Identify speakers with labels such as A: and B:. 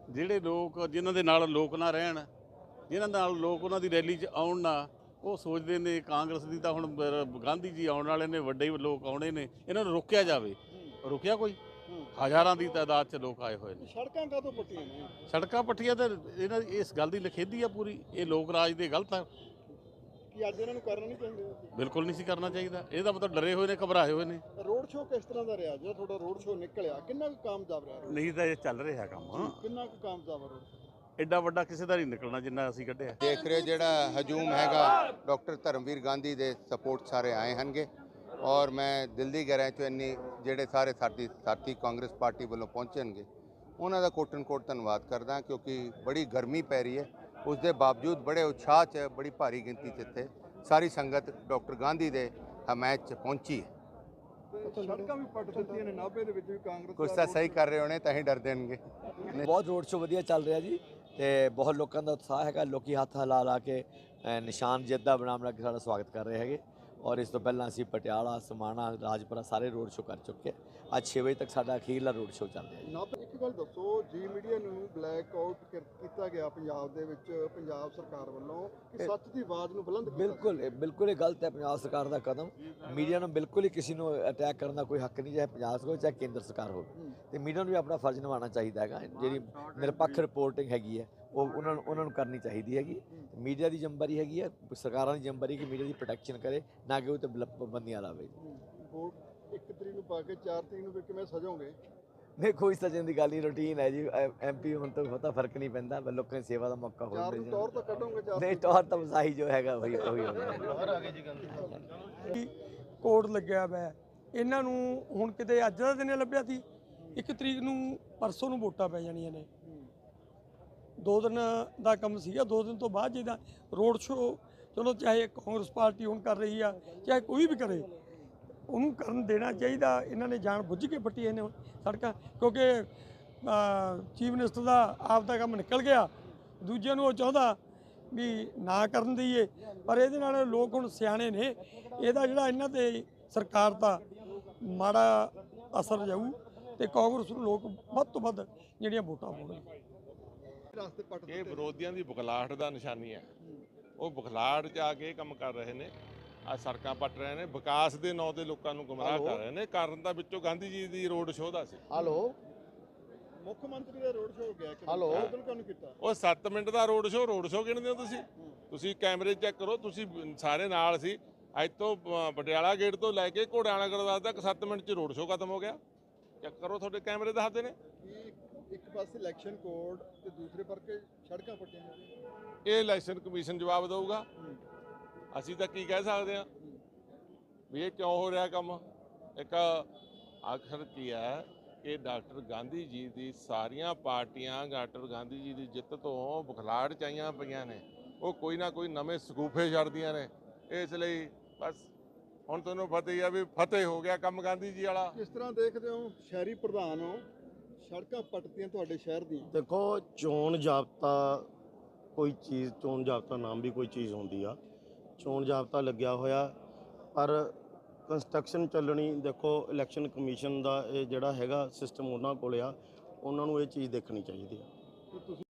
A: ਜਿਹੜੇ ਲੋਕ ਜਿਨ੍ਹਾਂ ਦੇ ਨਾਲ ਲੋਕ ਨਾ ਰਹਿਣ, ਜਿਨ੍ਹਾਂ ਨਾਲ ਲੋਕ ਉਹਨਾਂ ਦੀ ਰੈਲੀ 'ਚ ਆਉਣ ਨਾ, ਉਹ ਸੋਚਦੇ ਨੇ ਕਾਂਗਰਸ ਦੀ ਤਾਂ ਹੁਣ ਗਾਂਧੀ ਜੀ ਆਉਣ ਵਾਲੇ ਨੇ, ਵੱਡੇ ਲੋਕ ਆਉਣੇ ਨੇ, ਇਹਨਾਂ ਨੂੰ ਰੋਕਿਆ ਜਾਵੇ। ਰੁਕਿਆ ਕੋਈ? ਹਜ਼ਾਰਾਂ ਦੀ ਤਾਦਾਦ 'ਚ ਲੋਕ ਆਏ ਹੋਏ ਨੇ।
B: ਸੜਕਾਂ ਕਾਹਤੋਂ ਪੱਟੀਆਂ ਨੇ?
A: ਸੜਕਾਂ ਪੱਟੀਆਂ ਤਾਂ ਇਹਨਾਂ ਇਸ ਗੱਲ ਦੀ ਨਿਖੇਧੀ ਆ ਪੂਰੀ। ਇਹ ਲੋਕ ਰਾਜ ਦੇ ਗਲਤ ਆ।
B: ਕਿ ਅੱਜ ਇਹਨਾਂ ਨੂੰ ਕਰਨਾ ਨਹੀਂ ਚਾਹੀਦਾ?
A: ਬਿਲਕੁਲ ਨਹੀਂ ਸੀ ਕਰਨਾ ਚਾਹੀਦਾ। ਇਹਦਾ ਮਤਲਬ ਡਰੇ ਹੋਏ ਨੇ, ਘਬਰਾਏ ਹੋਏ ਨੇ।
B: ਰੋਡ ਸ਼ੋਅ ਕਿਸ ਤਰ੍ਹਾਂ ਦਾ ਰਿਹਾ? ਜਿਹੜਾ ਤੁਹਾਡਾ ਰੋਡ ਸ਼ੋਅ ਨਿਕਲਿਆ, ਕਿੰਨਾ ਕੁ ਕਾਮਯਾਬ ਰਿਹਾ?
A: ਨਹੀਂ ਤਾਂ ਇਹ ਚੱਲ ਰਿਹਾ ਕੰਮ,
B: ਕਿੰਨਾ ਕੁ ਕਾਮਯਾਬ ਰੋਡ ਸ਼ੋਅ?
A: ਐਡਾ ਵੱਡਾ ਕਿਸੇ ਦਾ ਨਹੀਂ ਨਿਕਲਣਾ ਜਿੰਨਾ ਅਸੀਂ ਕੱਢਿਆ।
C: ਦੇਖ ਰਹੇ ਜਿਹੜਾ ਹਜੂਮ ਹੈਗਾ ਡਾਕਟਰ ਧਰਮਵੀਰ ਗਾਂਧੀ ਦੇ ਸਪੋਰਟ ਸਾਰੇ ਆਏ ਹਨਗੇ ਔਰ ਮੈਂ ਦਿਲ ਦੀ ਗਹਿਰਾਈ ਚੋਂ ਇੰਨੀ ਜਿਹੜੇ ਸਾਰੇ ਸਾਥੀ ਕਾਂਗਰਸ ਪਾਰਟੀ ਵੱਲੋਂ ਪਹੁੰਚਣਗੇ ਉਹਨਾਂ ਦਾ ਕੋਟਨ ਕੋਟ ਧੰਨਵਾਦ ਕਰਦਾ, ਕਿਉਂਕਿ ਬੜੀ ਗਰਮੀ ਪੈ ਰਹੀ ਹੈ। ਉਸ ਦੇ ਬਾਵਜੂਦ ਬੜੇ ਉਤਸ਼ਾਹ 'ਚ ਬੜੀ ਭਾਰੀ ਗਿਣਤੀ 'ਚ ਇੱਥੇ ਸਾਰੀ ਸੰਗਤ ਡਾਕਟਰ ਗਾਂਧੀ ਦੇ ਹਮਾਇਤ 'ਚ ਪਹੁੰਚੀ ਹੈ।
B: ਸੜਕਾਂ ਵੀ ਪੱਟ ਦਿੱਤੀਆਂ ਨੇ ਨਾਭੇ ਦੇ ਵਿੱਚ ਵੀ ਕਾਂਗਰਸ।
C: ਕੁਛ ਤਾਂ ਸਹੀ ਕਰ ਰਹੇ ਹੋਣੇ ਤਾਂ ਹੀ ਡਰ ਦੇਣਗੇ।
D: ਬਹੁਤ ਰੋਡ ਸ਼ੋਅ ਵਧੀਆ ਚੱਲ ਰਿਹਾ ਜੀ ਤੇ ਬਹੁਤ ਲੋਕਾਂ ਦਾ ਉਤਸ਼ਾਹ ਹੈਗਾ। ਲੋਕੀ ਹੱਥ ਹਿਲਾ ਲਾ ਕੇ ਨਿਸ਼ਾਨ ਜਿੱਤ ਦਾ ਬਣਾ ਕੇ ਸਾਡਾ ਸਵਾਗਤ ਕਰ ਰਹੇ ਹੈਗੇ। ਔਰ ਇਸ ਤੋਂ ਪਹਿਲਾਂ ਅਸੀਂ ਪਟਿਆਲਾ, ਸਮਾਣਾ, ਰਾਜਪੁਰਾ ਸਾਰੇ ਰੋਡ ਸ਼ੋਅ ਕਰ ਚੁੱਕੇ। ਅੱਜ 6 ਵਜੇ ਤੱਕ ਸਾਡਾ ਅਖੀਰਲਾ ਰੋਡ ਸ਼ੋਅ ਚੱਲ ਰਿਹਾ ਜੀ।
B: ਨਾਭੇ ਇੱਕ ਗੱਲ ਦੱਸੋ, ਜੀ ਮੀਡੀਆ ਨੂੰ ਬਲੈਕ ਆਊਟ ਕੀਤਾ ਗਿਆ ਪੰਜਾਬ ਦੇ ਵਿੱਚ ਪੰਜਾਬ ਸਰਕਾਰ ਵੱਲੋਂ ਕਿ ਸੱਚ ਦੀ ਆਵਾਜ਼ ਨੂੰ ਬੁਲੰਦ ਕੀਤਾ।
D: ਬਿਲਕੁਲ ਇਹ ਗਲਤ ਹੈ ਪੰਜਾਬ ਸਰਕਾਰ ਦਾ ਕਦਮ। ਮੀਡੀਆ ਨੂੰ ਬਿਲਕੁਲ ਹੀ ਕਿਸੇ ਨੂੰ ਅਟੈਕ ਕਰਨ ਦਾ ਕੋਈ ਹੱਕ ਨਹੀਂ, ਚਾਹੇ ਪੰਜਾਬ ਸਰਕਾਰ ਚਾਹੇ ਕੇਂਦਰ ਸਰਕਾਰ ਹੋਵੇ। ਤੇ ਮੀਡੀਆ ਨੂੰ ਵੀ ਆਪਣਾ ਫਰਜ਼ ਨਿਭਾਉਣਾ ਚਾਹੀਦਾ ਹੈਗਾ। ਜਿਹੜੀ ਨਿਰਪੱਖ ਰਿਪੋਰਟਿੰਗ ਹੈਗੀ ਹੈ ਉਹ ਉਹਨਾਂ ਨੂੰ ਕਰਨੀ ਚਾਹੀਦੀ ਹੈਗੀ। ਮੀਡੀਆ ਦੀ ਜ਼ਿੰਮੇਵਾਰੀ ਹੈਗੀ ਹੈ, ਸਰਕਾਰਾਂ ਦੀ ਜ਼ਿੰਮੇਵਾਰੀ ਕਿ ਮੀਡੀਆ ਦੀ ਪ੍ਰੋਟੈਕਸ਼ਨ ਕਰੇ, ਨਾ ਕਿ ਉਹ ਤੇ ਪਾਬੰਦੀਆਂ ਲਾਵੇ।
B: ਵੋਟ 1 ਤਰੀਕ ਨੂੰ ਪਾ ਕੇ 4 ਤਰੀਕ ਨੂੰ ਫਿਰ ਕਿਵੇਂ ਸਜੋਗੇ?
D: ਨਹੀਂ, ਕੋਈ ਸਜਣ ਦੀ ਗੱਲ ਨਹੀਂ, ਰੂਟੀਨ ਹੈ ਜੀ। ਐਮਪੀ ਹੁਣ ਤੋਂ ਬਹੁਤਾ ਫਰਕ ਨਹੀਂ ਪੈਂਦਾ, ਲੋਕਾਂ ਦੀ ਸੇਵਾ ਦਾ ਮੌਕਾ ਹੋ
B: ਚਾਰ ਨੂੰ ਤੌਰ ਤਾਂ ਕੱਢੋਗੇ?
D: ਨਹੀਂ, ਤੌਰ ਤਾਂ ਵਸਾਈ ਜੋ ਹੈਗਾ ਉਹੀ ਹੋਣਾ।
E: ਕੋਡ ਲੱਗਿਆ ਵਾ ਇਹਨਾਂ ਨੂੰ। ਹੁਣ ਕਿਤੇ ਅੱਜ ਦਾ ਦਿਨ ਲੱਭਿਆ ਸੀ, 1 ਤਰੀਕ ਨੂੰ ਪਰਸੋਂ ਨੂੰ ਵੋਟਾਂ ਪੈ ਜਾਣੀਆਂ ਨੇ। 2 ਦਿਨ ਦਾ ਕੰਮ ਸੀਗਾ। 2 ਦਿਨ ਤੋਂ ਬਾਅਦ ਜਿਹਦਾ ਰੋਡ ਸ਼ੋਅ, ਚਲੋ ਚਾਹੇ ਕਾਂਗਰਸ ਪਾਰਟੀ ਹੁਣ ਕਰ ਰਹੀ ਆ, ਚਾਹੇ ਕੋਈ ਵੀ ਕਰੇ, ਉਹਨੂੰ ਕਰਨ ਦੇਣਾ ਚਾਹੀਦਾ। ਇਹਨਾਂ ਨੇ ਜਾਣ ਬੁੱਝ ਕੇ ਪੱਟੀਆਂ ਨੇ ਸੜਕਾਂ, ਕਿਉਂਕਿ ਚੀਫ ਮਿਨਿਸਟਰ ਦਾ ਆਪ ਦਾ ਕੰਮ ਨਿਕਲ ਗਿਆ। ਦੂਜਿਆਂ ਨੂੰ ਉਹ ਚਾਹੁੰਦਾ ਵੀ ਨਾ ਕਰਨ ਦਈਏ, ਪਰ ਇਹਦੇ ਨਾਲ ਲੋਕ ਹੁਣ ਸਿਆਣੇ ਨੇ। ਇਹਦਾ ਜਿਹੜਾ ਇਹਨਾਂ ਤੇ ਸਰਕਾਰ ਦਾ ਮਾੜਾ ਅਸਰ ਜਾਊ ਤੇ ਕਾਂਗਰਸ ਨੂੰ ਲੋਕ ਵੱਧ ਤੋਂ ਵੱਧ ਜਿਹੜੀਆਂ ਵੋਟਾਂ ਪਾਉਣਗੇ।
F: ਇਹ ਵਿਰੋਧੀਆਂ ਦੀ ਬੁਖਲਾਹਟ ਦਾ ਨਿਸ਼ਾਨੀ ਹੈ। ਉਹ ਬੁਖਲਾਹਟ 'ਚ ਆ ਕੇ ਕੰਮ ਕਰ ਰਹੇ ਨੇ। ਆ ਸੜਕਾਂ ਪੱਟ ਰਹੇ ਨੇ, ਵਿਕਾਸ ਦੇ ਨਾਂ ਤੇ ਲੋਕਾਂ ਨੂੰ ਗੁੰਮਰਾਹ ਕਰ ਰਹੇ ਨੇ। ਕਾਰਨ ਤਾਂ ਵਿੱਚੋਂ ਗਾਂਧੀ ਜੀ ਦੀ ਰੋਡ ਸ਼ੋਅ ਦਾ ਸੀ।
B: ਮੁੱਖ ਮੰਤਰੀ ਦਾ ਰੋਡ ਸ਼ੋਅ ਹੋ ਗਿਆ। ਕਿਉਂ ਨਹੀਂ ਕੀਤਾ?
F: ਉਹ 7 ਮਿੰਟ ਦਾ ਰੋਡ ਸ਼ੋਅ ਗਿਣਦੇ ਹੋ ਤੁਸੀਂ ਕੈਮਰੇ ਚੈੱਕ ਕਰੋ। ਤੁਸੀਂ ਸਾਰੇ ਨਾਲ ਸੀ। ਅੱਜ ਤੋਂ ਪਟਿਆਲਾ ਗੇਟ ਤੋਂ ਲੈ ਕੇ ਘੋੜਿਆਣਾ ਗੁਰਦੁਆਰਾ ਤੱਕ 7 ਮਿੰਟ 'ਚ ਰੋਡ ਸ਼ੋਅ ਖਤਮ ਹੋ ਗਿਆ। ਚੈੱਕ ਕਰੋ, ਤੁਹਾਡੇ ਕੈਮਰੇ ਦੱਸਦੇ ਨੇ।
B: ਇੱਕ ਪਾਸੇ ਇਲੈਕਸ਼ਨ ਕੋਡ ਤੇ ਦੂਸਰੇ ਪਾਸੇ ਸੜਕਾਂ ਪੱਟੀਆਂ ਨੇ।
F: ਇਹ ਇਲੈਕਸ਼ਨ ਕਮਿਸ਼ਨ ਜਵਾਬ ਦੇਊਗਾ। ਅਸੀਂ ਤਾਂ ਕੀ ਕਹਿ ਸਕਦੇ ਹਾਂ ਵੀ ਇਹ ਕਿਉਂ ਹੋ ਰਿਹਾ ਕੰਮ। ਇੱਕ ਆਖਰ ਕੀ ਹੈ ਕਿ ਡਾਕਟਰ ਗਾਂਧੀ ਜੀ ਦੀ ਸਾਰੀਆਂ ਪਾਰਟੀਆਂ ਡਾਕਟਰ ਗਾਂਧੀ ਜੀ ਦੀ ਜਿੱਤ ਤੋਂ ਬੁਖਲਾਹਟ 'ਚ ਆਈਆਂ ਪਈਆਂ ਨੇ। ਉਹ ਕੋਈ ਨਾ ਕੋਈ ਨਵੇਂ ਸਕੂਫੇ ਛੱਡਦੀਆਂ ਨੇ। ਇਸ ਲਈ ਬਸ ਹੁਣ ਤੁਹਾਨੂੰ ਪਤਾ ਹੀ ਆ ਵੀ ਫਤਿਹ ਹੋ ਗਿਆ ਕੰਮ ਗਾਂਧੀ ਜੀ ਵਾਲਾ।
B: ਕਿਸ ਤਰ੍ਹਾਂ ਦੇਖਦੇ ਹੋ? ਸ਼ਹਿਰੀ ਪ੍ਰਧਾਨ ਹੋ, ਸੜਕਾਂ ਪੱਟਦੀਆਂ ਤੁਹਾਡੇ ਸ਼ਹਿਰ ਦੀਆਂ।
G: ਦੇਖੋ, ਚੋਣ ਜਾਬਤਾ ਕੋਈ ਚੀਜ਼, ਚੋਣ ਜਾਬਤਾ ਨਾਮ ਵੀ ਕੋਈ ਚੀਜ਼ ਹੁੰਦੀ ਆ। ਚੋਣ ਜਾਬਤਾ ਲੱਗਿਆ ਹੋਇਆ, ਪਰ ਕੰਸਟਰਕਸ਼ਨ ਚੱਲਣੀ, ਦੇਖੋ ਇਲੈਕਸ਼ਨ ਕਮਿਸ਼ਨ ਦਾ ਇਹ ਜਿਹੜਾ ਹੈਗਾ ਸਿਸਟਮ ਉਹਨਾਂ ਕੋਲ ਆ, ਉਹਨਾਂ ਨੂੰ ਇਹ ਚੀਜ਼ ਦੇਖਣੀ ਚਾਹੀਦੀ ਆ।